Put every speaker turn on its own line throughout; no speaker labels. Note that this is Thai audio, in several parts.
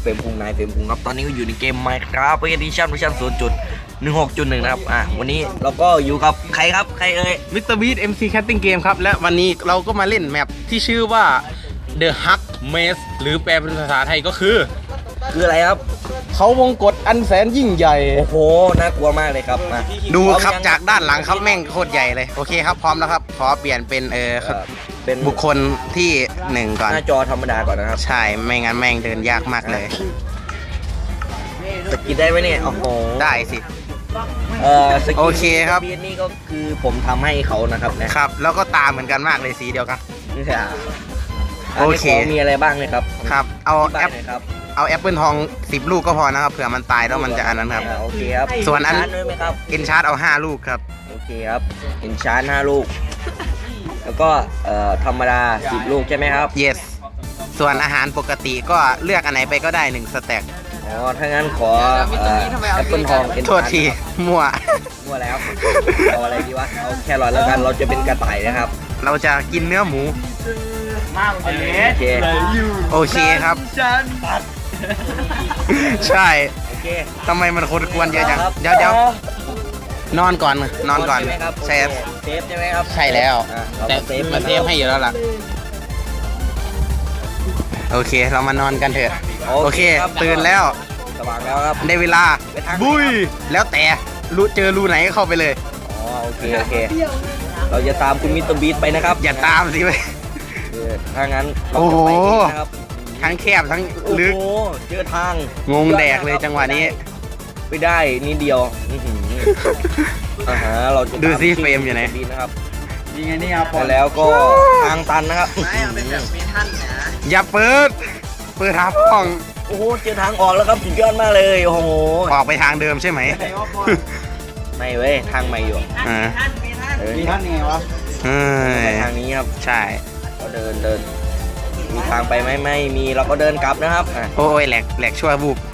เฟรมพุงนายเฟรมพุงครับตอนนี้ก็อยู่ในเกม Minecraft Edition เวอร์ชัน 0.16.1 นะครับวันนี้เราก็อยู่กับใครครับใครเอ่ย
Mr. Beast MC Catting Game ครับและวันนี้เราก็มาเล่นแมปที่ชื่อว่า The Hug Maze หรือแปลเป็นภาษาไทยก็คือ
อะไรครับ
เขาวงกฏอันแสนยิ่งใหญ่
โอ้โหน่ากลัวมากเลยครับมา
ดูครับจากด้านหลังครับแม่งโคตรใหญ่เลยโอเคครับพร้อมแล้วครับขอเปลี่ยนเป็นเป็นบุคคลที่1ก่อน
หน้าจอธรรมดาก่อนนะครับ
ใช่ไม่งั้นแม่งเดินยากมากเลย
สกินได้ไหมเนี่ยโอ้โห
ได้สิ
สกิน
โอเคครับ
นี่ก็คือผมทำให้เขานะครับ
นะครับแล้วก็ตาเหมือนกันมากเลยสีเดียวกัน
โอเคมีอะไรบ้างเลยครับ
ครับเอาแอปเปิลทอง10ลูกก็พอนะครับเผื่อมันตายแล้วมันจะอันนั้นครับ
โอเคครับ
ส่วนอัน
อิน
ชาร์ตเอา5ลูกครับ
โอเคครับอินชาร์ต5ลูกแล้วก็ธรรมดา10ลูกใช่ไหมครับ
yes ส่วนอาหารปกติก็เลือกอันไหนไปก็ได้1สแต็ก
อ๋อถ้างั้นขอแอปเปิลทอง
โทษทีมั่ว
แล้วเอาอะไรดีวะเอาแครอทแล้วกันเราจะเป็นกระต่ายนะครับ
เราจะกินเนื้อหมูโอเคครับใช่ทำไมมันคนกวนเยอะจังเดี๋ยวนอนก่อน
เซฟใช่ไหมครับ
ใช่แล้วแต่มาเซฟให้อยู่แล้วล่ะโอเคเรามานอนกันเถอะโอเคตื่นแล้ว
สว่างแล้วครับ
ได้เวลาบุยแล้วแต่เจอรูไหนเข้าไปเลย
อ๋อโอเคเราจะตามคุณมิสเตอร์บีทไปนะครับ
อย่าตามสิเว้ย
ถ้างั้น
โอ้โหทั้งแคบทั้งลึก
เจอทาง
งงแดกเลยจังหวะนี้
ไม่ได้นิดเดียวเราจะ
ดูซิเฟรมอยู่ไหน
นะครับยังไงนี่ครับแล้วก็ทางตันนะครับ
อย่าเปิดหาห้อง
โอ้โหเจอทางออกแล้วครับสุดยอดมากเลยโอ้โห
ออกไปทางเดิมใช่ไหม
ไม่เว้ยทางใหม่อยู่
มีท่านไงวะ
ทางนี้ครับ
ใช่
ก็เดินมีทางไปไหมไม่มีเราก็เดินกลับนะครับ
โอ้ยแหลกชั่วบุบ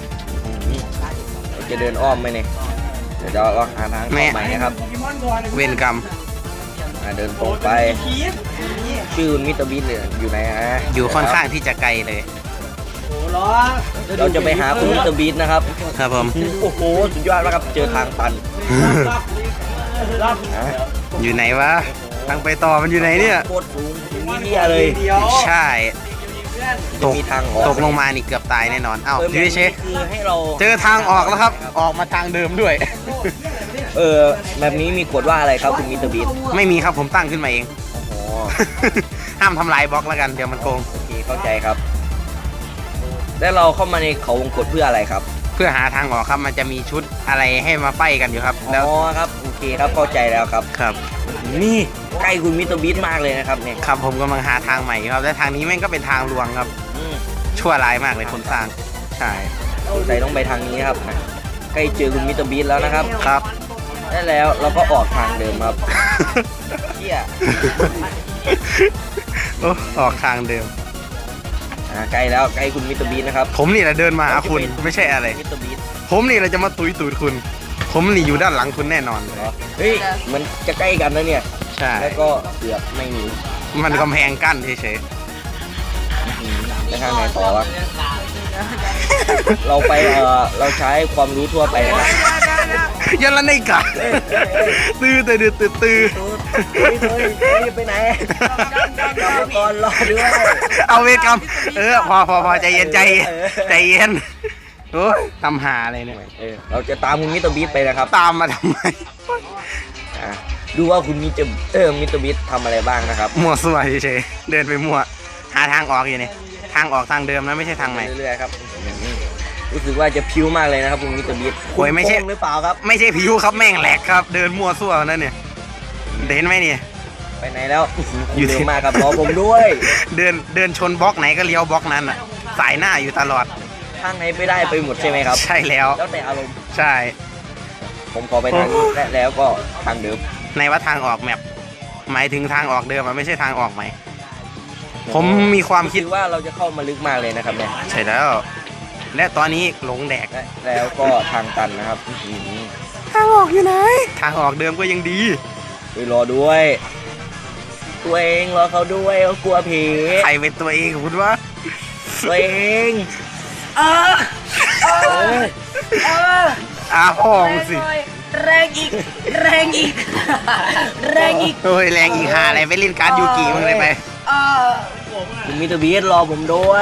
เราจะเดินอ้อมไหมเนี่ยเดี๋ยวเราหาทางใหม่นะครับ
เวรกรรม
เดินตรงไปชื่อมิสเตอร์บีทอยู่ไหนฮะ
อยู่ค่อนข้างที่จะไกลเลย
เราจะไปหาคุณมิสเตอร์บีทนะครับ
ครับผม
โอ้โหสุดยอดมากครับเจอทางตัน
อยู่ไหนวะทางไปต่อมันอยู่ไหนเนี่ย
โคตรสูงนี่เลย
ใช่ตกลงมานี่เกือบตายแน่นอนอ้าวยูเชเจอทางออกแล้วครับออกมาทางเดิมด้วย
แบบนี้มีกฎว่าอะไรครับคุณมิสเตอร์บีท
ไม่มีครับผมตั้งขึ้นมาเองห้ามทำลายบล็อกแล้วกันเดี๋ยวมันโกง
โอเคเข้าใจครับแล้วเราเข้ามาในเขาวงกฏเพื่ออะไรครับ
เพื่อหาทางออกครับมันจะมีชุดอะไรให้มาไฟกันอยู่ครับ
แล้วครับโอเคครับเข้าใจแล้วครับนี่ใกล้คุณมิสเตอร์บีทมากเลยนะครับเนี่ย
ครับผมกำลังหาทางใหม่ครับและทางนี้แม่งก็เป็นทางลวงครับชั่วร้ายมากเลยคนสร้างใช่
ใส่ต้องไปทางนี้ครับใกล้เจอคุณมิสเตอร์บีทแล้วนะครับ
ครับ
ได้แล้วเราก็ออกทางเดิมครับเที่ย
ออกทางเดิม
ใกล้แล้วใกล้คุณมิสเตอร์บีทนะครับ
ผมนี่แหละเดินมาหาคุณไม่ใช่อะไร
มิสเตอร์บีท
ผมนี่แหละจะมาตุยตูดคุณผมนี่อยู่ด้านหลังคุณแน่นอน
เฮ้ยมันจะใกล้กันนะเนี่ย
ใช่
แล้วก็เกือบไม่มี
มันกำแพงกั้นเฉย
ๆไปทางไหนต่อวะเราไปเราใช้ความรู้ทั่วไปนะ
ยันละในกะตื้อ
ไปไหนก่อนรอด้วย
เอาเวทกรรมพอใจเย็นโอ้ทำหาอะไรเนี่ย
เราจะตามคุณมิสเตอร์บีทไปนะครับ
ตามมาทำไม
ดูว่าคุณมิสเตอร์บีททำอะไรบ้างนะครับ
มั่วซั่วเฉยเดินไปมั่วหาทางออกอยู่นี่ทางออกทางเดิมนะไม่ใช่ทางใหม่
เรื่อยๆครับรู้สึกว่าจะพิ้วมากเลยนะครับคุณมิสเตอร์บีท
โอ้ยไม่ใช่
หรือเปล่าครับ
ไม่ใช่พิ้วครับแม่งแหลกครับเดินมั่วซั่วนั่นเนี่ยเห็นไหมเนี่ย
ไปไหนแล้วอยู่ที่มาครับรอผมด้วย
เดินชนบล็อกไหนก็เลี้ยวบล็อกนั้นอ่ะสายหน้าอยู่ตลอด
ทางไหนไม่ได้ไปหมดใช่ไหมครับ
ใช่แล้ว
แต่อารมณ์
ใช่
ผมขอไปทางนี้แล้วก็ทางเดิม
ในว่าทางออกแมปหมายถึงทางออกเดิมไม่ใช่ทางออกใหม่ผมมีความคิด
ว่าเราจะเข้ามาลึกมากเลยนะครับเนี่ย
ใช่แล้วและตอนนี้หลงแดก
แล้วก็ทางตันนะครับ
ทางออกอยู่ไหนทางออกเดิมก็ยังดี
ไปรอด้วยตัวเองรอเขาด้วยเขากลัวผี
ใครเป็นตัวเองคุณวะ
ตัวเอง
พ่องสิ
แรงอีกแรงอีกแรงอีก
โอ้ยแรงอีกหาอะไรไปเล่นการ์ดยูกิมึงเลยไป
คุณมิสเตอร์บีสรอผมด้วย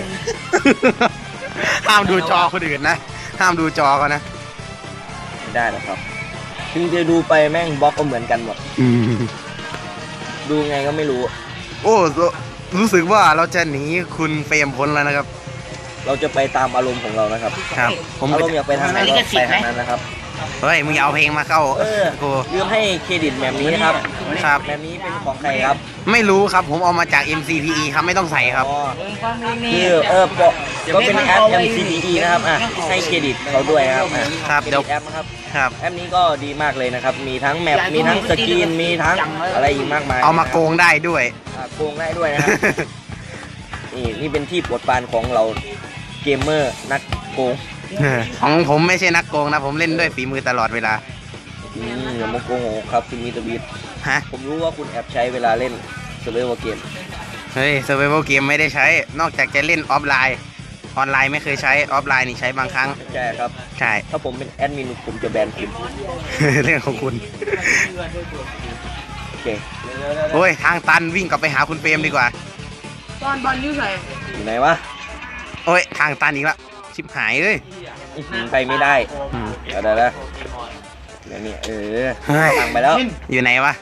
ห้ามดูจอคนอื่นนะห้ามดูจอเขานะ
ไม่ได้หรอกครับถึงจะดูไปแม่งบล็อกก็เหมือนกันหมดดูไงก็ไม่รู้
โอ้รู้สึกว่าเราจะหนีคุณเฟรมพ้นแล้วนะครับ
เราจะไปตามอารมณ์ของเรานะครับ
ครับผม
อารมณ์อยากไปทางไหนก็ไปทางนั้นนะครับ
เฮ้ยมึงอย่าเอาเพลงมาเข้า กู
ลืมให้เครดิตแบบนี้นะครับ
ครับ
แบบนี้เป็นของใครครับ
ไม่รู้ครับผมเอามาจาก MCPE ครับไม่ต้องใส่ครับ
อ๋อคือก็เป็นแอป MCDE นะครับให้เครดิตเขาด้วยนะครับ
ครับ
เคร
เดี๋
ดิ
ยว
ตแอปนะครับ
ครับ
แอปนี้ก็ดีมากเลยนะครับ มีทั้งแมปมีทั้งสกรีนมีทั้งอะไรอีกมากมาย
เอามาโกงได้ด้วย
โกงได้ด้วยนะครับ นี่เป็นที่โปรดปรานของเราเกมเมอร์นักโกง
ของผมไม่ใช่นักโกงนะ ผมเล่นด้วยฝีมือตลอดเวลา
อย่ามาโกงครับคุณมิสเตอร์บีท
ฮะ
ผมรู้ว่าคุณแอบใช้เวลาเล่นเซอร์ไวเวอร์เกม
เฮ้ย Survival Game ไม่ได้ใช้ นอกจากจะเล่นออฟไลน์ ออนไลน์ไม่เคยใช้ ออฟไลน์นี่ใช้บางครั้ง
ใช่ครับ
ใช่
ถ้าผมเป็นแอดมินผมจะแบนคุณ
เรื่องของคุณ
โอเค
โอ้ย ทางตันวิ่งกลับไปหาคุณเฟรมดีกว่า
บอลยูใส่
อยู่ไหนวะ
โอ้ย ทางตันอีกแล้วชิบหายเลย
ไปไม่ได้
อืม
เดี๋ยวนี่
เฮ้ย
ทางไปแล้ว
อยู่ไหนวะ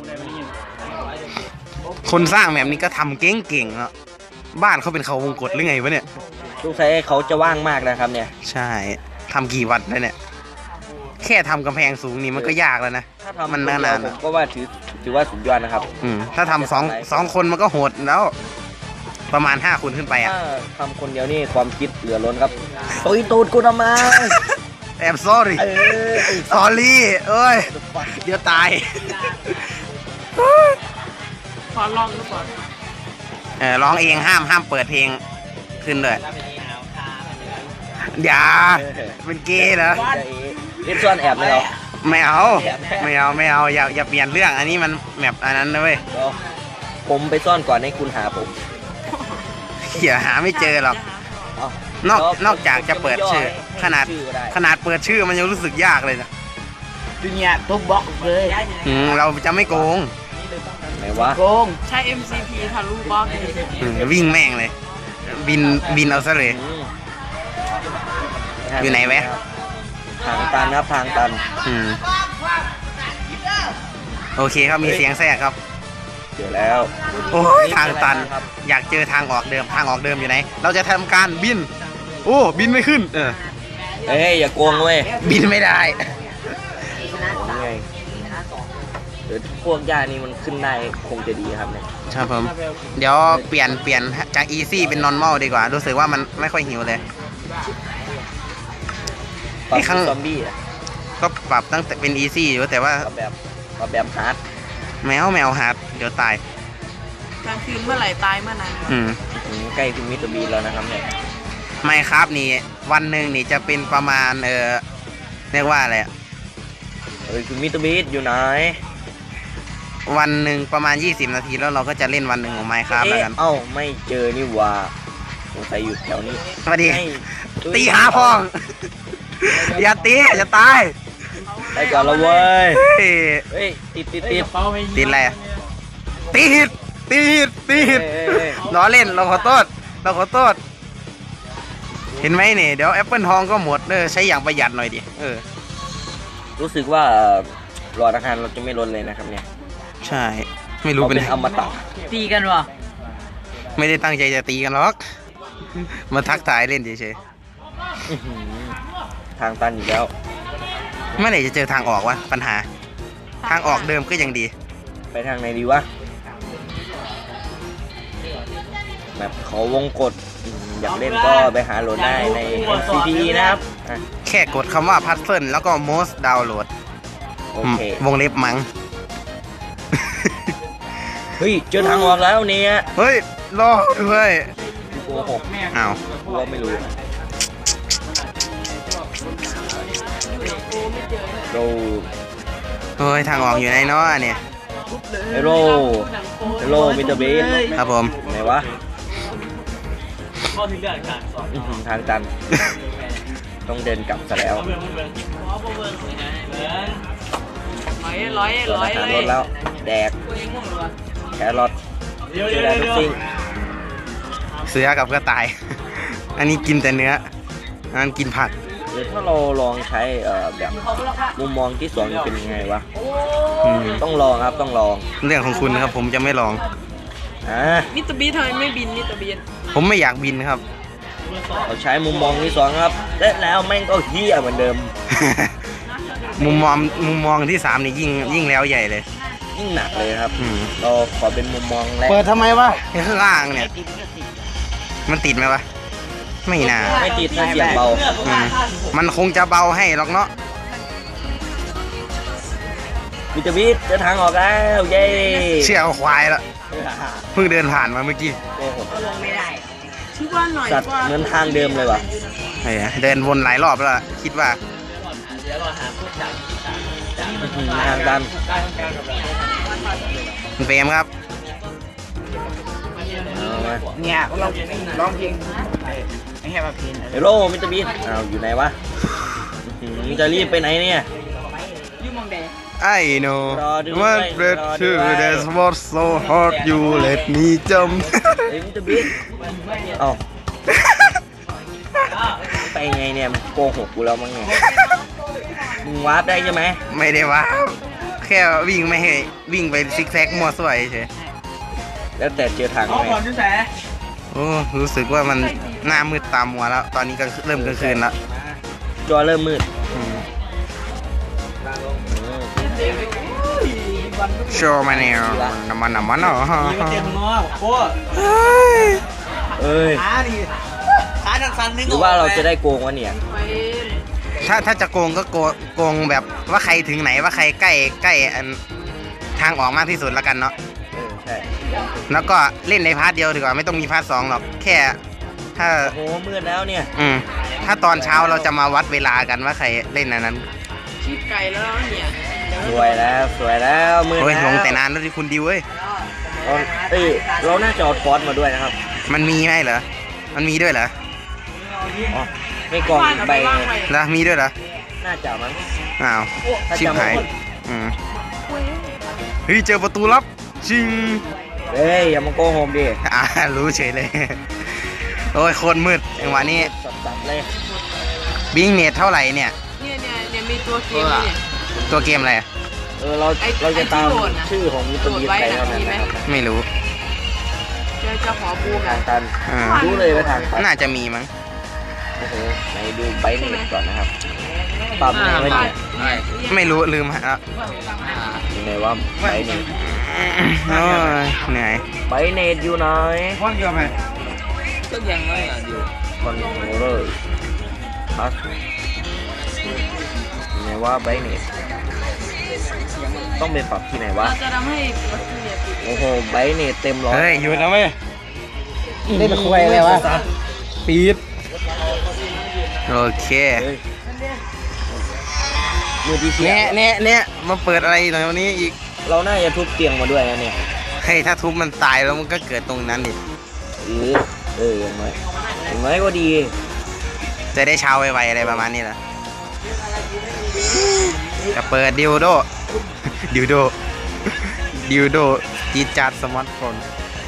คนสร้างแบบนี้ก็ทำเก่งๆเนาะบ้านเขาเป็นเขาวงกตหรือไงวะเนี่ย
ลูกชายเขาจะว่างมากนะครับเนี่ย
ใช่ทำกี่วันแล้วเนี่ย แค่ทำกำแพงสูงนี่มันก็ยากแล้วนะ
ถ้าทำ
มัน
คนเดี
นาย
วน
ๆ
ผ
อะ
มก็ว่าถือว่าสุดยอดนะครับ
ถ้าทำสองคนมันก็โหดแล้ว ประมาณ5 คนขึ้นไปอ่ะ
ถ้าทำคนเดียวนี่ความคิดเหลือล้นครับตุยตูดกูทำไม
แอบ sorry
ไอ้
sorry เอ้ย เดี๋ยวตาย
ขอลองดูก่อน
ร้องเองห้ามเปิดเพลงขึ้นเลยอย่าเป็นเกย์เหรอ
เล่นซ่อนแอบไหมเรา
ไม่เอาอย่าเปลี่ยนเรื่องอันนี้มันแบบอันนั้นนะเว้ย
เดี๋ยวผมไปซ่อนก่อนให้คุณหาผม
อย่าหาไม่เจอหรอก
เอ้าน
อกจากจะเปิดชื่อ ขนาด
ชื่อก็ได้
ขนาดเปิดชื่อมันยังรู้สึกยากเลยนะ
ดูเนี่ยทุบบล็อกเลย
เราจะไม่โกง
ไหนวะ
โกงใช้ MCP ทะลุบล็อก
วิ่งแม่งเลย บินเอาซะเลย อยู่ไหนแวะ
ทางตันครับทางตัน
โอเคครับมีเสียงแทรกครับ
เจอแล้ว
โอ้ยทางตัน อยากเจอทางออกเดิมอยู่ไหน เราจะทำการบิน โอ้บินไม่ขึ้น
เฮ้ยอย่าโกงเว้ย
บินไม่ได้
นี่ไงเดี๋ยวพวกยานี่มันขึ้นได้คงจะดีครับเนี่ย
ครับผม เดี๋ยวเปลี่ยนจากอีซี่เป็นนอร์มอลดีกว่า รู้สึกว่ามันไม่ค่อยหิวเลย
ปรับ
ไอ้ข้าง
ซอมบี้อะ
ก็ปรับตั้งแต่เป็นอีซี่อยู่แต่ว่า
ปรับแบบฮาร์ด
แมวฮาร์ดเดี๋ยวตาย
กลางคืนเมื่อไหร่ตายเมื่อนั้น
ใกล้ถึงมิสเตอร์บีนแล้วนะครับเนี่ย
ไม่ครับนี่วันหนึ่งนี่จะเป็นประมาณเรียกว่าอะไรอะ
คุณมิสเตอร์บีนอยู่ไหน
วันหนึ่งประมาณ20 นาทีแล้วเราก็จะเล่นวันหนึ่งของไมค์ครับแล้วกัน
เอ้าไม่เจอนี่ว่าสงสัยอยู่แถวนี้
สวัสดี
ให้
ตีหาพ่อง อย่าตีอย่าตาย
ไปก่อนละเว้ย
เฮ้ย
เฮ้ยติด
ติดอะไรอะตีหิดล้อเล่นเราขอโทษเห็นไหมเนี่ยเดี๋ยวแอปเปิลทองก็หมดใช้อย่างประหยัดหน่อยดิ
รู้สึกว่าหลอดอาหารเราจะไม่ลดเลยนะครับเนี่ย
ใช่ไม่รู้
เรา
เป็
เป็น นอมตะ
ตีกันวะ
ไม่ได้ตั้งใจจะตีกันหรอกมาทักทายเล่นเฉย
ทางตันอีกแล้ว
ๆเมื่อไหร่จะเจอทางออกวะปัญหา ทางออกเดิมก็ยังดี
ไปทางไหนดีวะแบบเขาวงกดอยากเล่นก็ไปหาโหลดได้ใน MCPE นะครับอ่ะ
แค่กดคำว่าพัซเซิลแล้วก็ most download
โอเคว
งเล็บมั้ง
เฮ้ยเจอทางออกแล้วเนี่ย
เฮ้ย รอด้วย
โกหก
อ้าว
กูว่าไม่รู้โร
เฮ้ย ทางออกอยู่ไหนเนาะเนี่ย
โรมิสเตอร์เบส
ครับผม
ไหนวะทางตัน ต้องเดินกลับซะแล้ว
ร้อย
ส่วนอาหารลดแล้ว แดก แครอทแดกซิ่ง
เสือกับกระต่าย อันนี้กินแต่เนื้ออันนั้นกินผัก
หรือถ้าเราลองใช้แบบมุมมองที่สองจะเป็นยังไงวะ
อืม
ต้องลองครับต้องลอง
เรื่องของคุณนะครับผมจะไม่ลอง
มิสเตอร์บีทำไมไม่บินมิสเตอร์บี
ผมไม่อยากบินครับ
เราใช้มุมมองที่สองครับและแล้วแม่งก็เฮี้ยเหมือนเดิม
มุมมองที่3นี่ยิ่งแล้วใหญ่เลย
ยิ่งหนักเลยครับ
อืม
เราขอเป็นมุมมองแรก
เปิดทำไมวะข้างล่างเนี่ย มันติดไหมวะ ไม่น่า
ไม่ติดถ้าเสียงเบา
อืมมันคงจะเบาให้หรอกเนาะ
วิตามินเดินทางออกแล้วเย้
เชื่อเอาควายละเพิ่งเดินผ่านมาเมื่อกี้
โอ้โห
ชื่อว่าหน่อย
สัตว์เหมือนทางเดิมเลยว่ะ
เดินวนหลายรอบแล้วล่ะคิดว่า
ทางตัน
คุณเฟรมครับ
เอามา
เนี่ยเราร้องเพลงไอ้แค่มาเพลง
เฮลโลวิตามินอ้าวอยู่ไหนวะจะรีบไปไหนเนี่ย
ยุ่งมองแดง
I know
รอด้วย
what bread
รอ
to
ด้วย
that's what so hard you let me jump
เฮ้ยวิตามินเอ้าไปไงเนี่ยมึงโกหกกูแล้วมั้งเนี่ยมึงวาร์ปได้ใช่ไหม
ไม่ได้ว่าแค่วิ่งไม่ให้วิ่งไปซิกแซกมั่วซั่วเฉย
แล้วแต่เจอทางไหม
โอ้รู้สึกว่ามันหน้ามืดตามมัวแล้ว ตอนนี้ก็เริ่มกลางคืนแล้ว
จอเริ่มมืด
โชว์มาเนี่ยน้ำมันเนาะ
เอ้ย
ขาดังสันนึง
หรือว่าเราจะได้โกงวะเนี่ย
ถ้าจะโกงก็โกงแบบว่าใครถึงไหนว่าใครใกล้อันทางออกมากที่สุดแล้วกันเนาะ
ใช่
แล้วก็เล่นในพาร์ทเดียวดีกว่าไม่ต้องมีพาร์ท2หรอกแค่ถ้า
โอ้โหมืดแล้วเนี่ย
ถ้าตอนเช้าเราจะมาวัดเวลากันว่าใครเล่นอันนั้น
ชีพไก่แล้วเนี่ย
สวยแล้วสวยแล้วมืด
โอ้ย
แล้ว
ลงแต่นานแล้วที่คุณดิวเว้ย
เราน่าจะเอาทอสมาด้วยนะครับ
มันมีไหมเหรอมันมีด้วยเหรอ
อ๋อไม่กล่องใบ
แล้วมีด้วยเหรอ
น่าจะมั้ง
อ้าว
ถ้า
ชิบ
จำ
หาย
ไม่ผิด
อืมเฮ้ยเจอประตูลับชิง
เฮ้ยอย่ามาโกหกดิ
รู้เฉยเลย โอ้ยโคตรมืดจังหวะนี้
สับๆเลย
บิงเนตเท่าไหร่เนี่ย
เนี่ยมีตัวเกมเนี่ย
ตัวเกมอะไร
เราจะตาม
ไอ้ที่โหลดน่ะ
ชื่อของวิตามินไปแล้วนะครับ
ไม่รู้
จะขอบูม
ทางตัน
อ่า
รู้เลยว่าทางตัน
น่าจะมีมั้ง
โอ้โหไหนดูใบเน็ตก่อนนะครับปรับยังไงวะเนี่ย
ไม่รู้ลืมฮะ
ยังไงว่าใบเน็ต
โอ้ยเหนื่อย
ใบเน็ตอยู่ไหน
ก็ยังไม่อยู่
คอนโทรลเลอร์พัสยังไงว่าใบเน็ตต้องไปปรับที่ไหนวะ
เราจะทำให้ประตูเนี่ยปิด
โอ้โหใบเน็ตเต็มร้อย
เฮ้ยหยุดแล้วไหม
เล่นคุยเลยวะ
ปีดโอเค
มือที่เสีย
เนี่ยมาเปิดอะไรหน่อยวันนี้อีก
เราน่าจะทุบเตียงมาด้วยนะเนี่ย
เฮ้ยถ้าทุบมันตายแล้วมันก็เกิดตรงนั้นดิ
อย่างน้อยอย่างน้อยก็ดี
จะได้เช้าไวๆอะไรประมาณนี้แหละจะเปิดดิวโด ดิวโดจีดจัดสมาร์ทโฟน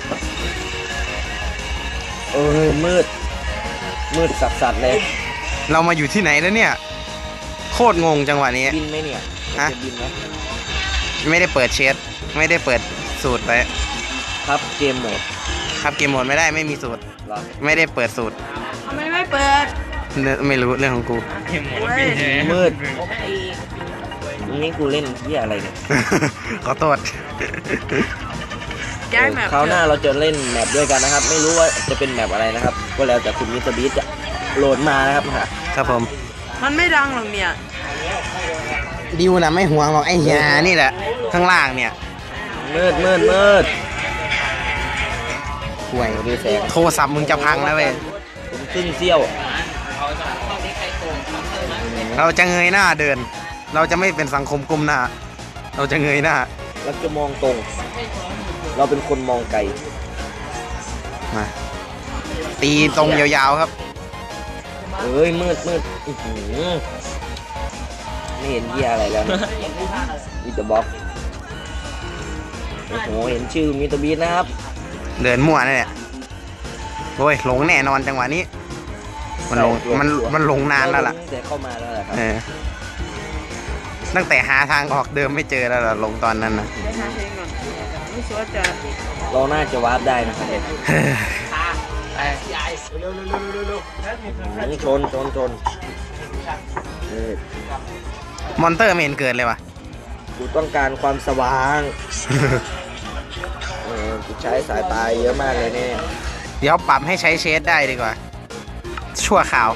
มืดสัสๆเลย
เรามาอยู่ที่ไหนแล้วเนี่ย โคตรงงจังหวะนี้
บินไหมเนี่ย
ฮะ
จะบินไหม
ไม่ได้เปิดเชดไม่ได้เปิดสูตรไป
ครับเกมโหมด
ครับเกมโหมดไม่ได้ไม่มีสูตร
เหรอ
ไม่ได้เปิดสูตร
ทำไมไม่เปิด
ไม่รู้เรื่องของกู
มืดนี่กูเล่นที่อะไรเนี่ย
ขอโทษ
ย้ายแมป
คราวหน้าเราจะเล่นแมปด้วยกันนะครับ ไม่รู้ว่าจะเป็นแมปอะไรนะครับ ก็แล้วแต่คุณมิสเตอร์บีจะโหลดมานะครับค่ะ
ครับผม
มันไม่ดังหรอกเนี่ย
ดิวนะไม่ห่วงหรอกไอ้ยานี่แหละ ข้างล่างเนี่ย
มืด
ห่วย
ดูแสง
โทรศัพท์มึงจะพังแล้วเว้ย
ผมครึ่งเซี่ยว
เราจะเงยหน้าเดิน เราจะไม่เป็นสังคมก้มหน้า เราจะเงยหน้า
เราจะมองตรง เราเป็นคนมองไกล
มาตีตรงยาวๆครับ
เอ้ยมืดอื้อหือไม่เห็นเหี้ยอะไรแล้วนะมีแต่บล็อกโอ้โหเห็นชื่อมิสเตอร์บีนนะครับ
เดินมั่วนั่นแหละโอ้ยหลงแน่นอนจังหวะนี้ มันหลงมันหลงนานแล้วล่ะ
ตั้งแต่เข้ามาแล้วแหละครับ
ตั้งแต่หาทางออกเดิมไม่เจอแล้วล่ะหลงตอนนั้นนะ
เราน่าจะวาร์ปได้นะครับชนเออ
มอนเตอร์ไม่เห็นเกิดเลยว่ะ
กูต้องการความสว่างกูใช้สายตาเยอะมากเลยเนี่ย
เดี๋ยวปรับให้ใช้เชดได้ดีกว่า ชั่วข่าว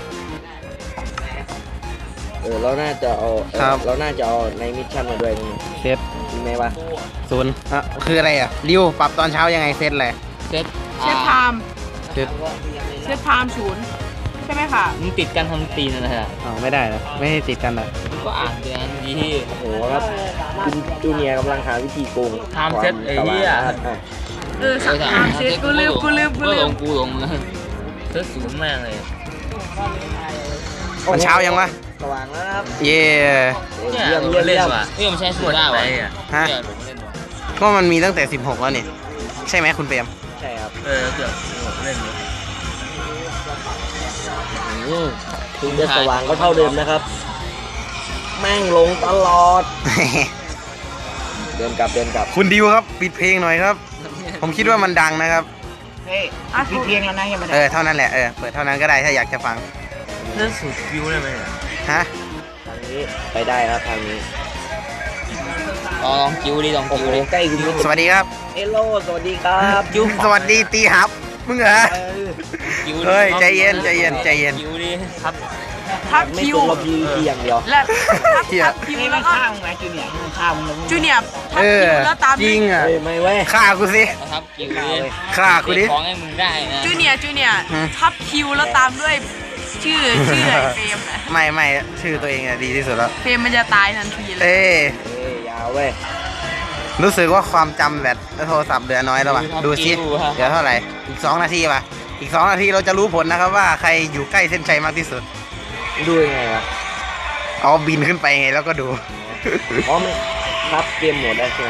เราน่าจะเอา
ครับ
เราน่าจะเอาในมิชชั่นมาด้วยนี่
เซต
จริงไหมวะ
0คืออะไรอ่ะริวปรับตอนเช้ายังไงเซตเลย
เชฟไทม์
เซต
เชฟไทม์0ใช่ไหมค่ะ
มึงติดกันทำตีนนะฮะ
อ๋อไม่ได้เหรอไม่ให้ติดกันเหรอ
ก็อ่านเตือนดี
โอ้โหครับคุณจูเนียร์กำลังหาวิธีโกง
ทำเซ็ตไอ้เหี้ย
ไทม์เชฟกูลืม
กูลงเลยเซ็ตศูนย์แม่งเลย
มันเช้ายังวะ
สว่างแล้วนะครับ
เย่
เนี่ย
เยี่ยม
หล
เยี่ย
ง
ม
เล่น
เยี่ยม
ว่ะนี่มันใช้สูตรได้ว่ะ
ฮะ
เนี่ยหลงเล่นว่ะ
ก็มันมีตั้งแต่16แล้วนี่ใช่ไหมคุณเปรม
ใช่ครับ
เกือบหลงเล่นเลย
ถึงจะสว่างก็เท่าเดิมนะครับ แม่งลงตลอด เดินกลับ
คุณดิวครับปิดเพลงหน่อยครับ ผมคิดว่ามันดังนะครับ
มีเพียงแล้วนะยังไม่ได้
เท่านั้นแหละเปิดเท่านั้นก็ได้ถ้าอยากจะฟัง
เล่นสูตรคิวได้ไหมเนี่ย
ฮะ
ทางนี้ไปได้ครับทางนี้
ลองคิวดิลอง
โอ้
คิ
โห
วดิ
ใกล้คุณ
สวัสดีครับ
เอโลสวัสดีครับ
สวัสดีตีหับมึงเหรอ
คิว
เฮ้ยใจเย็นใจเย็นใจเย็น
คิวดิครับ
ทับ
ไม่
คิว
ตรงกับพีอย่างเดียว
และ
เหี้ย
ทับคิวแล้วก็จูเนียร์ทับคิวแล้วตาม
จริงอ่ะ
เฮ้ยไม่เว้ย
ฆ่ากูสิ
ครับคิวดิ
ฆ่ากูดิ
ของให้มึงได้นะ
จูเนียร์ทับคิวแล้วตามด้วยชื่อไอ้เฟรมนะ
ไม่ชื่อตัวเองอะดีที่สุดแล้ว
เฟรมมันจะตายทันทีเลย
เอ้ย
ยาวเว้ย
รู้สึกว่าความจำแบตโทรศัพท์เหลือน้อยแล้วว่ะดูสิเดี๋ยวเท่าไหร่อีก2 นาทีป่ะอีก2 นาทีเราจะรู้ผลนะครับว่าใครอยู่ใกล้เส้นชัยมากที่สุด
ดูยังไงวะ
เอาบินขึ้นไปไงแล้วก็ดู
อ๋อมันครับเกมโหมดได้ใช่ไหม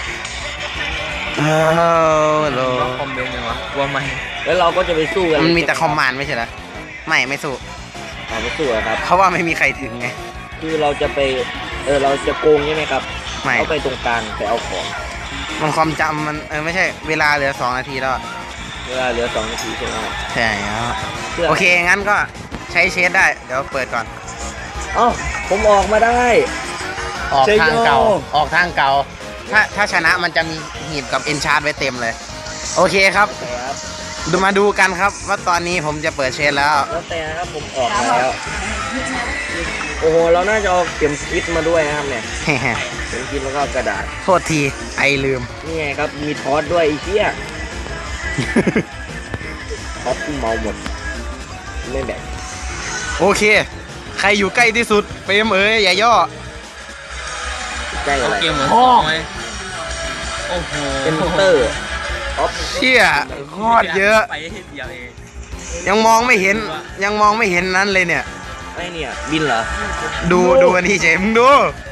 โล
คอมเมนต์ยังวะว่าไม่
แล้วเราก็จะไปสู้กัน
มันมีแต่คอมมานด์ไม่ใช่เหรอไม่สู้
ไม่สู้อะครับ
เพราะว่าไม่มีใครถึงไง
คือเราจะไปเราจะโกงใช่ไหมครับ
ไม่
เอาไปตรงกลางแต่เอาของ
มันความจำมันไม่ใช่เวลาเหลือ2 นาทีแล้ว
เวลาเหลือ2 นาทีใช่ไหม
ใช่แล้ว
เพื่อ
โอเคงั้นก็ใช้เชดได้เดี๋ยวเปิดก่อน
เอ้าผมออกมาได้
ออก
ใช่
ทางเก่า
โย่
ออกทางเก่าถ้าชนะมันจะมีหีบกับเอนชาร์ดไว้เต็มเลย โอเคครับ
แต่ครับ
มาดูกันครับว่าตอนนี้ผมจะเปิดเชดแล้ว
แล้วแต่นะครับผมออกมาแล้วโอ้โหเราน่าจะเอาเข็มทิศมาด้วยนะครับเนี่ยเข็มทิศแล้วก็กระดาษ
โทษทีไอลืม
นี่ไงครับมีทอสด้วยไอ้เหี้ยทอสกูเมาหมดไม่แบ่ง
โอเค ใครอยู่ใกล้ที่สุดเฟรมอย่าย่อ
ใกล้อะไร
เกมเหมือนสองเลยโอ้โห
เอนเตอร์ออฟ
เชี่ยโคตรเยอะ
ไปให้เดียวเอง
ยังมองไม่เห็นนั้นเลยเนี่ย
ไอ้เนี่ยบินเหรอ
ดูอันนี้เฉยมึงดู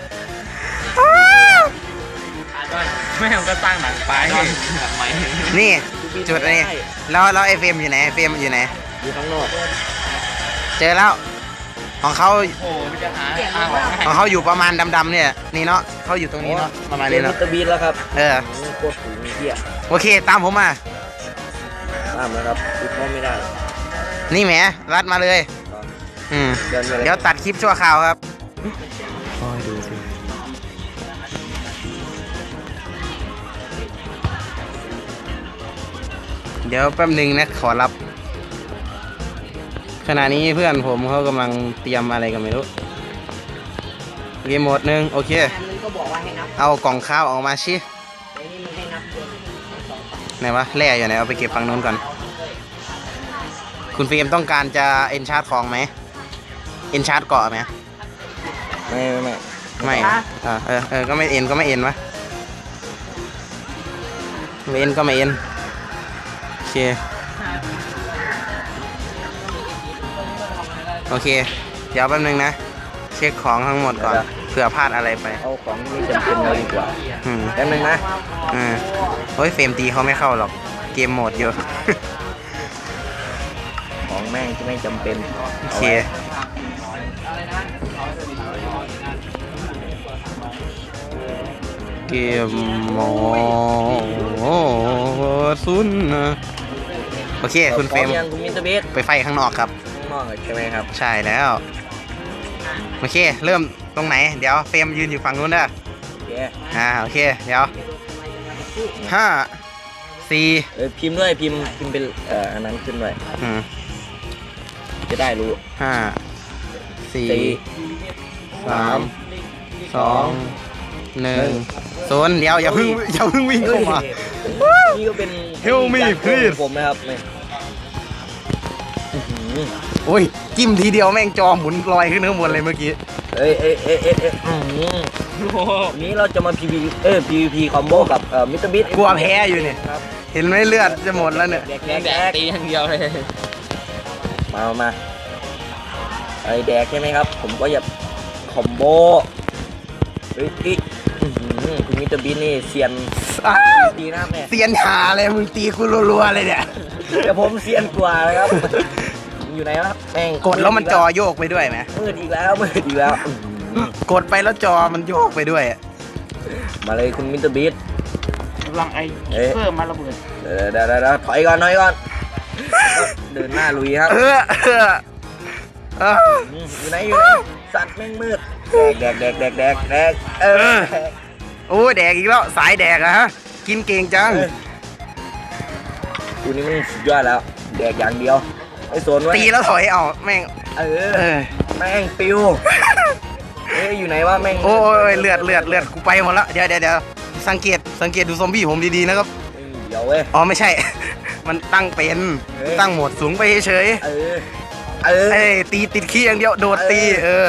แม่งก็สร้างหนังไปทำไม
นี่จุดอันนี้แล้วไอเฟรมอยู่ไหนเฟรมอยู่ไหน
อยู่ข้างนอก
เจอแล้วของเขา
โอ้ไม่จะหาอ้างหรอ
ของเขาอยู่ประมาณดำๆเนี่ยนี่เนาะเขาอยู่ตรงนี้เนาะประมาณ
เรีย
นี้
นมิ
เนาะ
สเตอร์บีนแล้วครับ โคตรสูงเหี้ย
โอเคตามผมมา
ตามแล้วครับคิดว่าไม่ได้
นี่แหมรัดมาเลยเดี๋ยวตัดคลิปชั่วคราวครับดูสิเดี๋ยวแป๊บหนึ่งนะขอรับขณะนี้เพื่อนผมเขากำลังเตรียมอะไรกันไม่รู้เกมโหมดหนึ่งโอเค
มันก็บอกว่าให้นับ
เอากล่องข้าวออกมาชิ
ไอ้นี่มันให้นับ
ไหนวะแร่อยู่ไหนเอาไปเก็บฝั่งนู้นก่อนคุณฟิล์มต้องการจะเอนชาร์ดของไหมเอนชาร์ดเกาะไหม
ไม่
ก็ไม่เอ็นวะไม่เอ็นก็ไม่เอ็นโอเคโอเค เดี๋ยวแป๊บนึงนะ เช็คของทั้งหมดก่อนเผื่อพลาดอะไรไป
เอาของที่ไม่จำเป็นมาดีกว่า
อืม
แป๊บนึงนะ
โอ้ยเฟรมตีเขาไม่เข้าหรอกเกมโหมดเยอะ
ของแม่งที่ไม่จำเป็น
โอเคเกมโหมดซุนนะโอเคคุณเฟรม
พร้อยังคุณมิสเตอร์บีท
ไปไฟข้างนอกครับ
ข้างนอกใช่ไหมครับ
ใช่แล้ว โอเค เริ่มตรงไหน เดี๋ยวเฟรมยืนอยู่ฝั่งนู้นเด้อ
โอเค
โอเค เดี๋ยวห้าสี่
พิมพ์ด้วยพิมพ์เป็นอันนั้นขึ้นด้วย จะได้รู้
ห้าสี่
สี่
สามสองหนึ่งศูนย์เดี๋ยวอย่าเพิ่งวิ่งเข้ามา
นี่ก็เป็น
Help me,
จาก
please
ผมนะครับนี่อื้อหือ
โอ้ย จิ้มทีเดียวแม่งจอหมุนลอยขึ้นข้างบนเลยเมื่อกี้
เอ้ยอื้อหือวันนี้เราจะมา PVP คอมโบกับมิสเตอร์บีท
กลัวแพ้อยู่เนี่ย
ครับ
เห็นไหมเลือดจะหมดแล้วเนี่ย
แดกตีอย่างเดียวเลย
มาไอ้แดกใช่ไหมครับ ผมก็จะคอมโบเฮ้ยอื้อหือคุณมิสเตอร์บีทนี่เซียน
อ้า
ดีนะแม่
เสียนหาเลยมึงตีกูรัวๆเลยเนี่ย
แต่ผมเซียนกว่านะครับ อยู่ไหนวะแม่ง
กดแล้วมันจอโยกไปด้วยไหม
มืดอีกแล้วอื้อหือก
ดไปแล้วจอมันโยกไปด้วย
มาเลยคุณมิสเตอร์บีท
กำลังไอ้เพิ่มมาระเบิด
เดี๋ยวถอยก่อนเดินหน้าลุยครับอยู่ไหนสัตว์แม่งมืดแดก
โอ้ยแดกอีกแล้วสายแดกอะฮะกินเก่งจัง
กูนี่มันสุดยอดแล้วแดกอย่างเดียวไอ้โซนไว้
ตีแล้วถอยเอาแม่ง
แม่งปิวอยู่ไหนวะแม่ง
โอ้ยเลือดกูไปหมดแล้วเดี๋ยวสังเกตดูซอมบี้ผมดีๆนะครับ
เดี๋ยวเว้ย
อ๋อไม่ใช่ มันตั้งเป็นตั้งโหมดสูงไปเฉยตีติดขี้อย่างเดียวโดดตี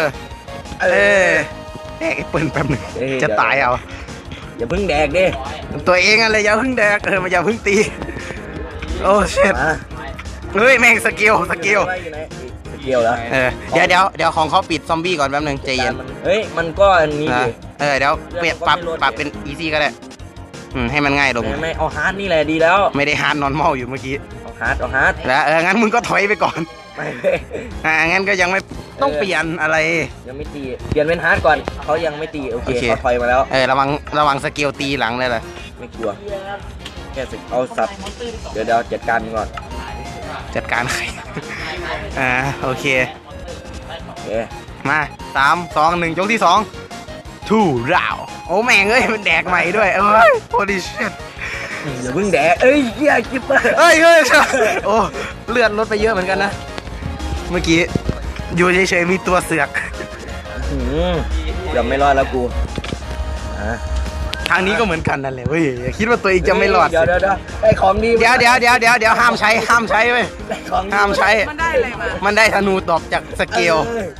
แดกไอ้ปืนแป๊บหนึงจะตายเอา
อย่าเพิ่งแดกดิ
ตัวเองอะไรอย่าเพิ่งแดกมันอย่าเพิ่งตีโอ้เช็ดเฮ้ยแม่งสกิล
สกิลแล้ว
เดี๋ยวของเขาปิดซอมบี้ก่อนแป๊บหนึงใจเย็น
เฮ้ยมันก็อันนี้ดิ
เดี๋ยวเปลี่ยนปรับเป็นอีซี่ก็ได้ให้มันง่ายลง
ไม่เอาฮาร์ดนี่แหละดีแล้ว
ไม่ได้ฮาร์ดนอนมอลอยู่เมื่อกี้
เอาฮาร์ด
แล้วงั้นมึงก็ถอยไปก่อน
ไม่
งั้นก็ยังไม่ต้องเปลี่ยนอะไร
ยังไม่ตีเปลี่ยนเป็นฮาร์ดก่อนเขายังไม่ตีโอเคเขาถอยมาแล้ว
ระวังสกิลตีหลังเลยล่ะ
ไม่กลัวแค่เอาสับเดี๋ยวจัดการมันก่อน
จัดการใคร โอเค
เอ๊ะ
มา3 2 1ยกที่2ทูราวโอ้แม่งเอ้ยมันแดกใหม่ด้วยโอ้ดิชิต
อย่าเพิ่งแดกเหี้ยกิ๊บ
เฮ้ยโอ้เลือดลดไปเยอะเหมือนกันนะ เมื่อกี้อยู่เฉยๆมีตัวเสือก
เดี๋ยวไม่รอดแล้วกู
ทางนี้ก็เหมือนกันนั่นแหละเว้ยอย่าคิดว่าตัวเองจะไม่รอด
เดี๋ยวได้ของดี
เดี๋ยวห้ามใช้เว้ย
ได้ของดี
ห้ามใช้
มันได้อะไรมา
มันได้ธนูตอบจากสเกล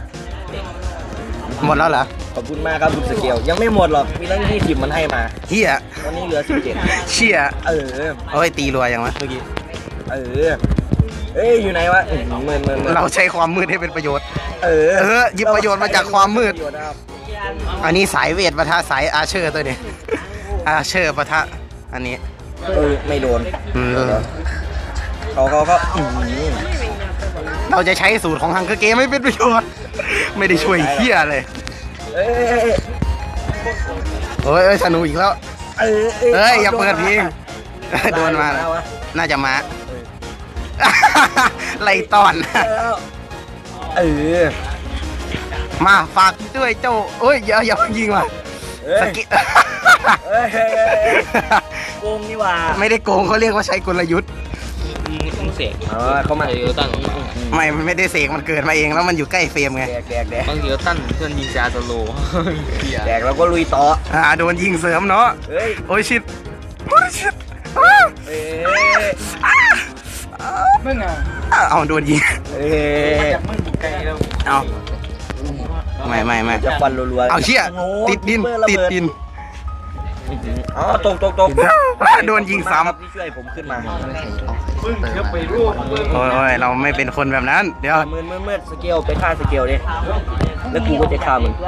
หมดแล้วเหรอ
ขอบคุณมากครับคุณสเกลยังไม่หมดหรอกมีตั้ง20มันให้มา
เฮีย
ตอนนี้เหลือ17
เชี่ย
เอ้ย
ตีรัวอย่างวะเมื่อกี้
อยู่ไหนวะมืด
เราใช้ความมืดให้เป็นประโยชน์หยิบประโยชน์มาจากความมืด
ประโยชน์นะครับ
อันนี้สายเวทปะทะสายอาเชอร์ตัวนี้อาเชอร์ปะทะอันนี้
ไม่โดน เขา
เราจะใช้สูตรของฮังเกอร์เกมไม่เป็นประโยชน์ ไม่ได้ช่วยเฮียเลยโอ้ยสนุกอีกแล้วอย่าเปิดเพลงโดนมาน่าจะมาไล่ตอนมาฝากด้วยเจ้าเอ้ยอย่ายิงว่ะสกิ
โกงนี่ว่า
ไม่ได้โกงเขาเรียกว่าใช้กลยุทธ์
มึงเสก
เขามา
เดี๋ยวตั้ง
ไม่ได้เสกมันเกิดมาเองแล้วมันอยู่ใกล้เฟรมไง
แดก
บางทีก็ตั้งเพื่อนยิงจาโซโล
แดกแล้วก็ลุยต่อ
โดนยิงเสริมเนาะโอ้ยชิด
มึงอ่ะ
เอาโดนยิง
จากมึงอยู่ไกลแล้ว
เอาไม่
จะฟันรัวๆ
เอาเชี่ยติดดิน
อ๋อตก
โดนยิงซ้
ครับที่ช่วยผมขึ้นมา
ำโอ้ยเราไม่เป็นคนแบบนั้น เดี๋ยว
มืดสเกลไปฆ่าสเกลดิแล้วกูก็จะฆ่ามึง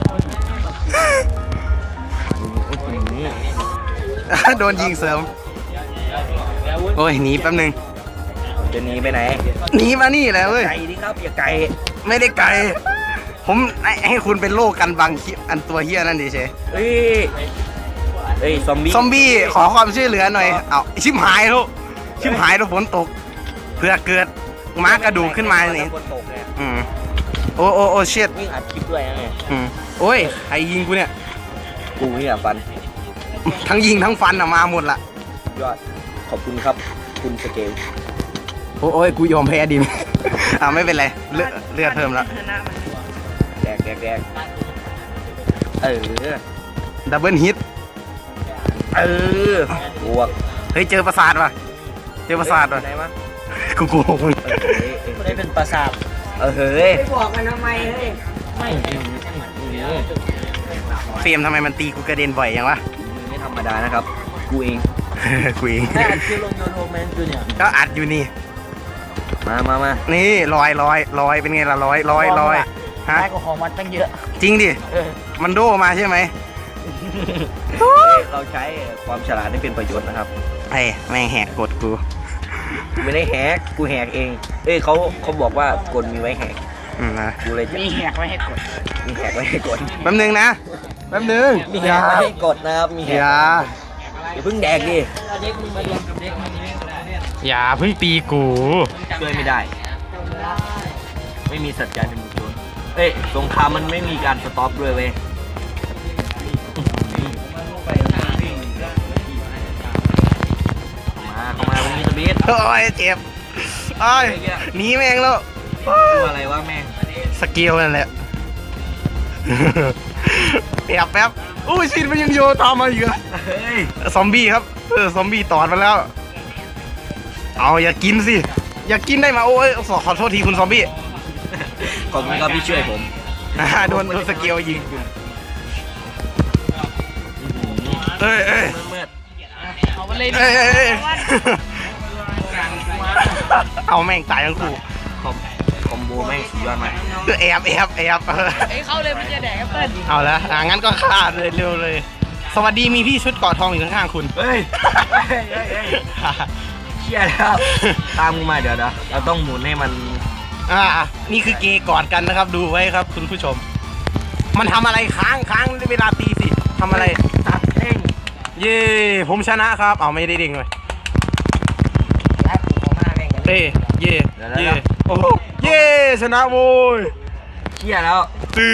โดนยิงเสริม โอ้ยหนีแป๊บนึง
จะหนีไปไหน
หนีมานี่แหละเว้ย
ไก่ดิครับอย่าไก่
ไม่ได้ไกล ผมให้คุณเป็นโลกกันบังอันตัวเฮียนั่นดิเช
เอ้ยซอมบี้
ซอมบี้ขอความช่วยเหลือหน่อย เอาชิบหายลูกชิบหายแล้วฝนตก เพื่อเกิดม้ากระดูกขึ้นมาเนี่ย
คนตกเนี่ย
โอ้เชิด
วิ่งอัดคลิปด้วยนะเนี่ย
โอ้ยใครยิงกูเนี่ย
กูเนี่ยฟัน
ทั้งยิงทั้งฟันอะมาหมดละ
ยอดขอบคุณครับคุณสเกล
โอ้ยกูยอมแพ้ดิม ไม่เป็นไรเลือดเพิ่มแล้ว
ชนะมัน
แดก
ดับเบิลฮิต
บวก
เฮ้ยเจอประสาทว่ะเจอประสาทว่ะ
ไหนวะ
กูโกงมึง
ไม่ได้เป็นประสาทเฮ้ย
ไปบอกกันทำไมเฮ้ย
เฟรมทำไมมันตีกูกระเด็นบ่อยยังวะ
ไม่ธรรมดานะครับกูเอง
กูเอง
แม่อัดคลิปลงยูทูบแมนจูเนี่ย
ก็อัดอยู่นี่
มา
นี่ลอยเป็นไงล่ะลอยฮะ
ได้กว่าของมันตั้งเยอะ
จริงดิมันโดมาใช่ไหม
เราใช้ความฉลาดให้เป็นประโยชน์นะครับ
ไอ้แม่งแหกกฎกู
ไม่ได้แฮกกูแฮกเองเขาบอกว่ากดมีไว้แฮก
นะ
กูเลยจะ
มีแหกไว้ให้กด
มีแฮกไว้ให้กด
แป๊บนึงนะแป๊บนึง
มีแฮกไว้ให้กดนะครับมีแฮก
อย่า
อย่าเพิ่งแดกดิ
อย่าเพิ่งตีกู
ช่วยไม่ได้ ไม่มีสัจจะในหมู่โจรสงครามมันไม่มีการสต็อปด้วยเว้ยเข้ามาวันนี้ตะบีด
โอ้ยเจ็บโอ้ยหนีแม่งแล้ว
ตัวอะไรวะแม่ง
สกิลนั่นแหละ แป๊บอู้ชินมันยังโยตามมาอีกอะ
เฮ้ย
ซอมบี้ครับซอมบี้ตอดมาแล้ว เอาอย่ากินสิอย่ากินได้มาโอ้ยขอโทษทีคุณซอมบี้
ขอบคุณครับที่ช่วยผม
โดนสกิลยิงเอ้ย
เมื่อ
เอาไปเลย
เอ้ยเอาแม่งตายทั้งคู่
คอมโบแม่งสุดยอดมาก
แอบ
ไอ้เข้าเลยมันจะแดกแอปเปิ้ล
เอาละงั้นก็ฆ่าเลยเร็วเลย สวัสดีมีพี่ชุดเกาะทองอยู่ข้างๆคุณ
เฮ้ยเชี่ยแล้วตามกูมาเดี๋ยวเราต้องหมุนให้มัน
นี่คือเกย์กอดกันนะครับ ดูไว้ครับคุณผู้ชม มันทำอะไรค้างเวลาตีสิทำอะไร
ตัดเด้ง
เย่ผมชนะครับเอาไม่ได้เด้งเลย
แล้วกูขอมาแม่งกัน
เย่โอ้เย่ชนะโว้ย
เชี่ยแล้ว
ตื้อ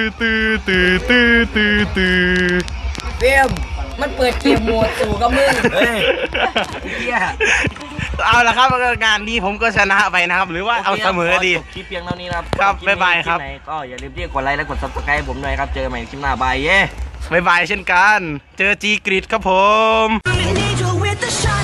เฟมมันเปิดเกมโหมดสู่กับมึง
เฮ้ยเชี่ย
เอาละครับงานนี้ผมก็ชนะไปนะครับ หรือว่าเอาเสมอดี
จบคลิปเพียงเท่านี้นะครับ
ครับ
คลิปนี้
บ๊ายบายครับ
ลิปไหนก็อย่าลืมที่กดไลค์และกด subscribe ให้ผมหน่อยครับเจอกันใหม่คลิปหน้าบายเย่
บ๊ายบายเช่นกัน เจอจีกริดครับผม
An angel with a shot.